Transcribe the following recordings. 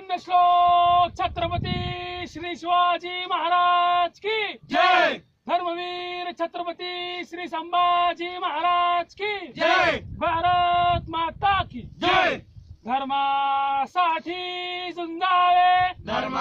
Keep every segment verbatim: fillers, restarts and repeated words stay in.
पुण्यश्लोक छत्रपती श्री शिवाजी महाराज की जय। धर्मवीर छत्रपती श्री संभाजी महाराज की जय। भारत माता की जय। धर्मासाठी झुंजावे,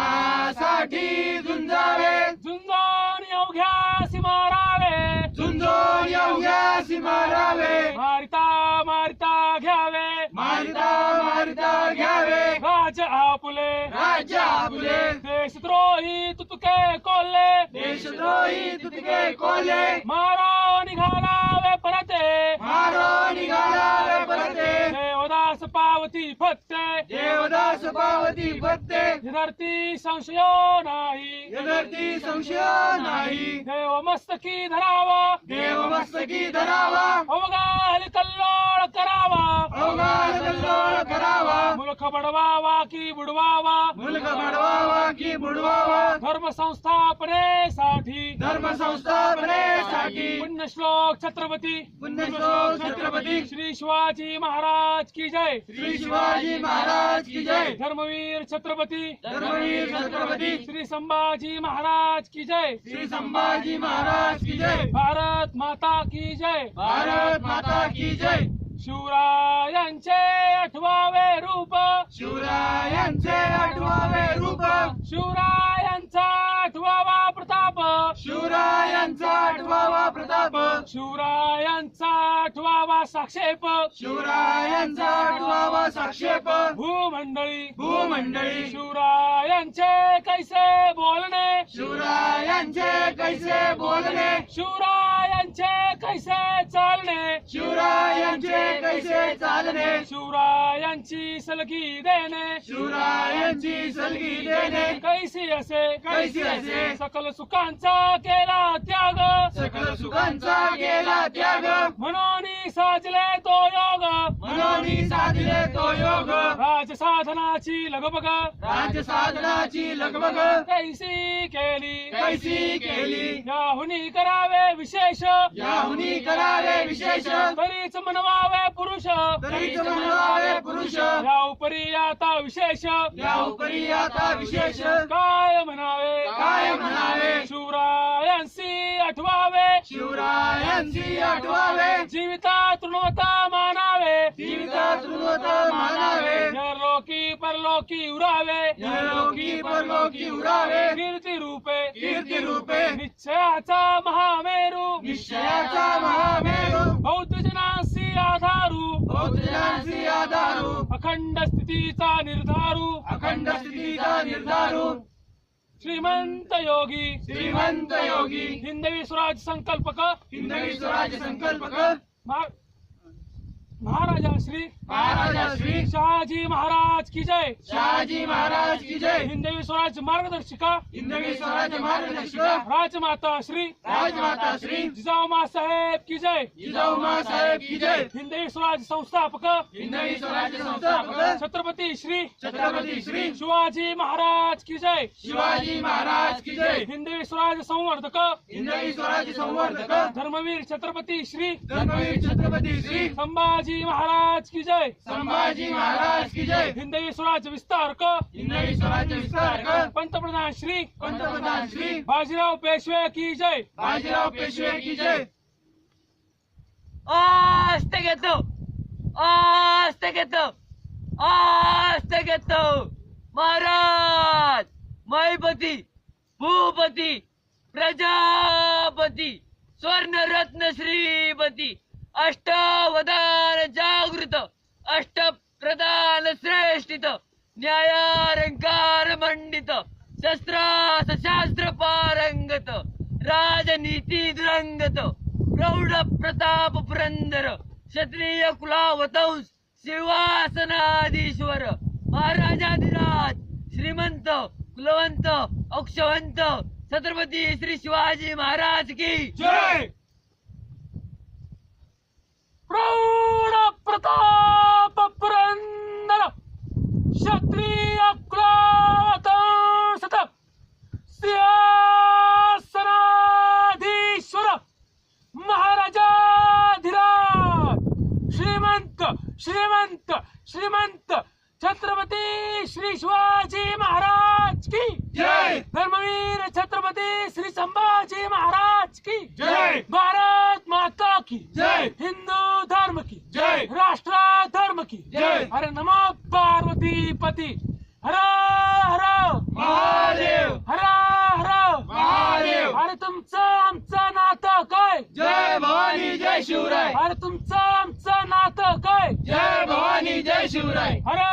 धर्मासाठी झुंजावे, झुंजून अवघ्यासी मारावे, झुंजून अवघ्यासी मारावे, मारिता मारिता घ्यावे, मारिता मारिता घ्यावे, राज आपुले राज्य आपुले, देशद्रोही तुतके कोल्हे, देशद्रोही तुतके कोल्हे, मारो निघालावे परते, मारो निघालावे परते, देवदास पावती फत्ते, देवदास पावती फत्ते, धरती संशयो नाही, धरती संशय नाही, देव मस्तकी धरावा, देव मस्तकी धरावा, अवघाल कल्लोळ करावा, अवघात कल्लोळ करावा, मुलख बडवावा की बुडवावा, मुलग बडवावा की बुडवावा, धर्म संस्थापनेसाठी, धर्म संस्थापनेसाठी, पुण्यश्लोक छत्रपती पुण्यश्लोक छत्रपती श्री शिवाजी महाराज की जय, श्री शिवाजी महाराज की जय, धर्मवीर छत्रपती धर्मवीर छत्रपती श्री संभाजी महाराज की जय, श्री संभाजी महाराज की जय, भारत माता की जय, भारत माता की जय, शिवरायांचे आठवावे रूप, शिवरायांचे आठवावे रूप, शिवरायांचा आठवावा प्रताप, शिवरायांचा आठवावा प्रताप, शिवरायांचा आठवावा साक्षेप, शिवरायांचा आठवावा साक्षेप, भूमंडळी भूमंडळी, शिवरायांचे कैसे बोलणे, शिवरायांचे कैसे बोलणे, शिवरायांचे कैसे चालणे, शिवरायांचे कैसे चालणे, शिवरायांची सलगी देणे, शिवरायांची सलगी देणे, कैसी असे कैसी असे, सकल सुखांचा केला त्याग, सकल सुखांचा केला त्याग, म्हणून साजले तो योग, म्हणून साधले तो योग, राज साधनाची लगबग राज्य साधनाची लगबग कैसी केली, कैसी केली, याहुनी करावे विशेष, याहुनी करावे विशेष, तरीच म्हणवावे पुरुष, तरीच म्हणवावे पुरुष, या उपरी आता विशेष, या उपरी आता विशेष, काय म्हणावे, काय म्हणावे, शिवरायांशी आठवावे, शिवरायांची आठवावे, जीविता तृणवता मानावे, जीविता तृणवत मानावे, लोकी परलोकी उरावे, लोकी परलोकी उरावे, कीर्ती रूपे कीर्ती रूपे, निश्चयाचा महामेरू, निश्चयाचा महामेरू, बौद्ध जनांसी आधारू, बौद्धांची आधारू, अखंड स्थितीचा निर्धारू, अखंड स्थितीचा निर्धारू, श्रीमंत योगी, श्रीमंत योगी, हिंदवी स्वराज संकल्पक, हिंदवी स्वराज्य संकल्पक, महा- महाराजा श्री महाराजा श्री शहाजी महाराज की जय, शहाजी महाराज की जय, हिंदवी स्वराज मार्गदर्शिका, हिंदवी स्वराज्य मार्गदर्शिका, राजमाता श्री राजमाता श्री जिजाऊमा साहेब की जय, जिजाऊमा साहेब की जय, हिंदवी स्वराज संस्थापक, हिंदवी स्वराज्य संस्थापक, छत्रपती श्री छत्रपती श्री शिवाजी महाराज की जय, शिवाजी महाराज की जय, हिंदवी स्वराज संवर्धक, हिंदवी स्वराज्य संवर्धक, धर्मवीर छत्रपती श्री धर्मवीर छत्रपती श्री संभाजी महाराज की जय, संभाजी महाराज की जय, हिंदवी स्वराज विस्तारक, हिंदवी स्वराज्य विस्तारक, पंतप्रधान श्री पंतप्रधान श्री बाजीराव पेशवे की जय, बाजीराव पेशवे की जय, आस्ते घेतो, आस्ते घेतो, आस्ते घेतो, महाराज महिपती भूपती प्रजापती स्वर्णरत्न श्रीपती अष्टावधान जागृत अष्टप्रधान श्रेष्ठित न्यायालंकार मंडित शस्त्रास शास्त्र पारंगत राजनीती दुरंगत प्रौढ प्रताप पुरंदर क्षत्रिय कुलावतंस सिंहासनाधीश्वर महाराजाधिराज श्रीमंत कुलवंत अक्षवंत छत्रपती श्री शिवाजी महाराज की जय, प्रौढ प्रताप पुरंदर क्षत्रिय कुलावतंस सिंहासनाधीश्वर महाराजाधिराज श्रीमंत श्रीमंत श्रीमंत छत्रपती श्री शिवाजी महाराज की जय धर्मवीर छत्रपती श्री संभाजी महाराज की जय भारत माता की जय हिंदू धर्म की जय राष्ट्र धर्म की जय अरे नमो पार्वती पती हर हर महादेव हर हर महादेव अरे तुमचं आमचं नातं काय जय भवानी जय शिवराय अरे तुमचं आमचं नातं काय जय भवानी जय शिवराय हर